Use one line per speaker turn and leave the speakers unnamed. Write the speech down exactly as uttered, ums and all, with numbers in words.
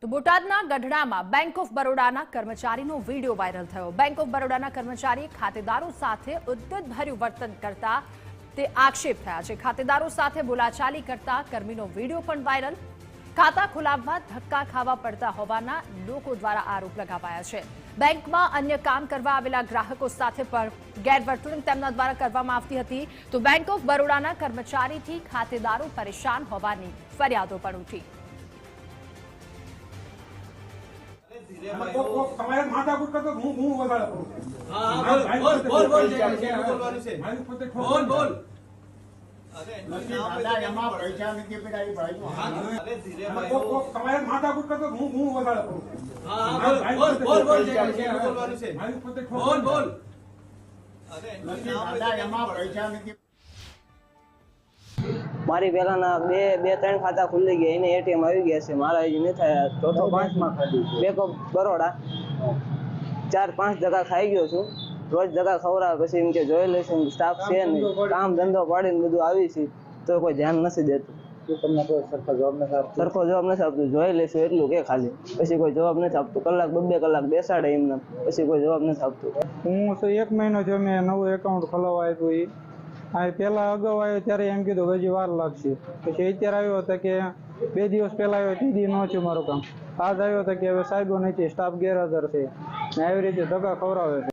તો બોટાદના ગઢડામાં બેંક ઓફ બરોડાના કર્મચારીનો વિડીયો વાયરલ થયો। બેંક ઓફ બરોડાના કર્મચારીએ ખાતેદારો સાથે ઉદ્ધતભર્યું વર્તન કરતા તે આક્ષેપ થયા છે। ખાતેદારો સાથે બોલાચાલી કરતા કર્મીનો વિડીયો પણ વાયરલ। ખાતા ખોલાવવા ધક્કા ખાવા પડતા હોવાના લોકો દ્વારા આરોપ લગાવાયા છે। બેંકમાં અન્ય કામ કરવા આવેલા ગ્રાહકો સાથે પણ ગેરવર્તણૂક તેમના દ્વારા કરવામાં આવતી હતી। તો બેંક ઓફ બરોડાના કર્મચારીથી ખાતેદારો પરેશાન હોવાની ફરિયાદો પણ ઉઠી।
તમારે માથાકૂટ કરતો હું હું વધારે કરું।
હા હા બોલ બોલ બોલ બોલવાનું છે
મારી પોતે
બોલ બોલ
અરે દાદા એમાં પૈસા નથી પડાવી ભાઈ
અરે ધીરે
તમારે માથાકૂટ કરતો હું હું વધારે કરું।
હા હા બોલ બોલ બોલ બોલવાનું છે
મારી પોતે
બોલ બોલ
અરે દાદા એમાં પૈસા નથી।
મારી પહેલાના બે બે ત્રણ ખાતા ખુલી ગયા, એને એટીએમ આવી ગયા છે, મારા હજી નથી થયા। ચોથો પાંચમાં બેંક ઓફ બરોડા ચાર પાંચ જગા ખાઈ ગયો છું। રોજ જગા ખવડાવે, પછી એમ કે જોઈ લઈશું, સ્ટાફ છે નહીં, કામ ધંધો પાડીને બધું આવી છે તો કોઈ ધ્યાન નથી દેતું। તમને કોઈ સરખો જવાબ નથી આપતો સરખો જવાબ નથી આપતું જોઈ લઈશું એટલું કે ખાલી, પછી કોઈ જવાબ નથી આપતું। કલાક બે કલાક બેસાડે એમને, પછી કોઈ જવાબ નથી આપતું।
હું તો એક મહિનો થયો મેં નવું એકાઉન્ટ ખોલાવવા આપ્યું। એ આ પહેલા અગાઉ આવ્યો ત્યારે એમ કીધું કે હજી વાર લાગશે, પછી અત્યારે આવ્યો હતો કે બે દિવસ પહેલા આવ્યો તે દી ન થયું મારું કામ। આજ આવ્યો હતો કે હવે સાહેબો નથી, સ્ટાફ ગેરહાજર છે ને આવી રીતે ધક્કા ખવડાવે છે।